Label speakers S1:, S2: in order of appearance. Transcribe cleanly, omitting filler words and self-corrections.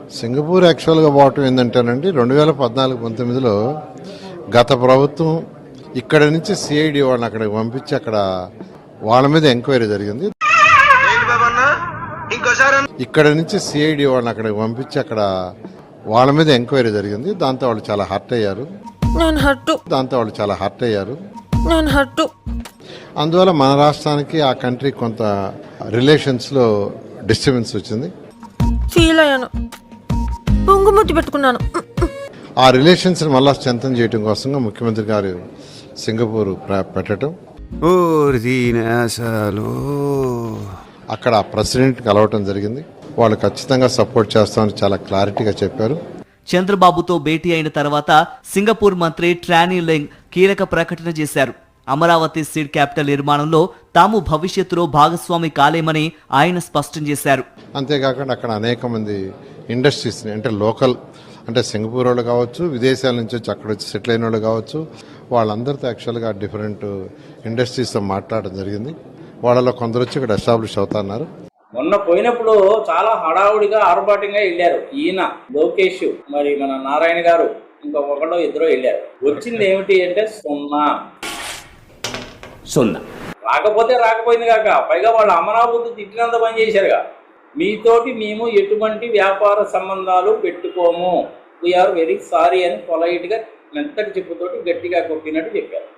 S1: Singapore యాక్చువల్గా పోవటం ఏంటంటేనండి 2014-19లో గత ప్రభుత్వం ఇక్కడ నుంచి సిఐడి వాళ్ళని అక్కడికి పంపించి అక్కడ వాళ్ళ మీద ఎంక్వైరీ జరిగింది. ఇక్కడ నుంచి సిఐడి వాళ్ళని అక్కడికి పంపించి అక్కడ వాళ్ళ మీద ఎంక్వైరీ జరిగింది. దాంతో వాళ్ళు చాలా హర్ట్ అయ్యారు. అందువల్ల మన రాష్ట్రానికి ఆ కంట్రీ కొంత రిలేషన్స్లో డిస్టర్బెన్స్ వచ్చింది.
S2: ఫీల్ అయ్యాను, పొంగుముద్దు పెట్టుకున్నాను.
S1: ఆ రిలేషన్స్ మళ్ళా స్ట్రెంథన్ చేయడం కోసంగా ముఖ్యమంత్రి గారు సింగపూర్ పెట్టడం, అక్కడ ప్రెసిడెంట్ కలవటం జరిగింది. వాళ్ళు ఖచ్చితంగా సపోర్ట్ చేస్తామని చాలా క్లారిటీగా చెప్పారు.
S3: చంద్రబాబుతో భేటీ అయిన తర్వాత సింగపూర్ మంత్రి ట్రానీ లెంగ్ కీలక ప్రకటన చేశారు. అమరావతి సీడ్ క్యాపిటల్ నిర్మాణంలో తాము భవిష్యత్తులో భాగస్వామి కాలేమని ఆయన స్పష్టం చేశారు.
S1: అంతేకాకుండా అక్కడ అనేక మంది ఇండస్ట్రీస్ని అంటే లోకల్ అంటే సింగపూర్ వాళ్ళు కావచ్చు, విదేశాల నుంచి వచ్చి అక్కడ వచ్చి సెటిల్ అయిన వాళ్ళు కావచ్చు, వాళ్ళందరితో యాక్చువల్గా డిఫరెంట్ ఇండస్ట్రీస్తో మాట్లాడడం జరిగింది. వాళ్ళలో కొందరు వచ్చి ఇక్కడ ఎస్టాబ్లిష్ అవుతున్నారు.
S4: మొన్న పోయినప్పుడు చాలా హడావుడిగా ఆర్భాటంగా వెళ్ళారు. ఈయన లోకేష్, మరి మన నారాయణ గారు, ఇంకొకళ్ళు ఇద్దరు వెళ్ళారు. వచ్చింది ఏమిటి అంటే సున్నా. రాకపోతే రాకపోయింది కాక పైగా వాళ్ళు అమరావతి తిట్టినంత పని చేశారుగా. మీతోటి మేము ఎటువంటి వ్యాపార సంబంధాలు పెట్టుకోము, వీఆర్ వెరీ సారీ అని పొలైట్గా మెత్తటి చెప్పుతోటి గట్టిగా కొట్టినట్టు చెప్పారు.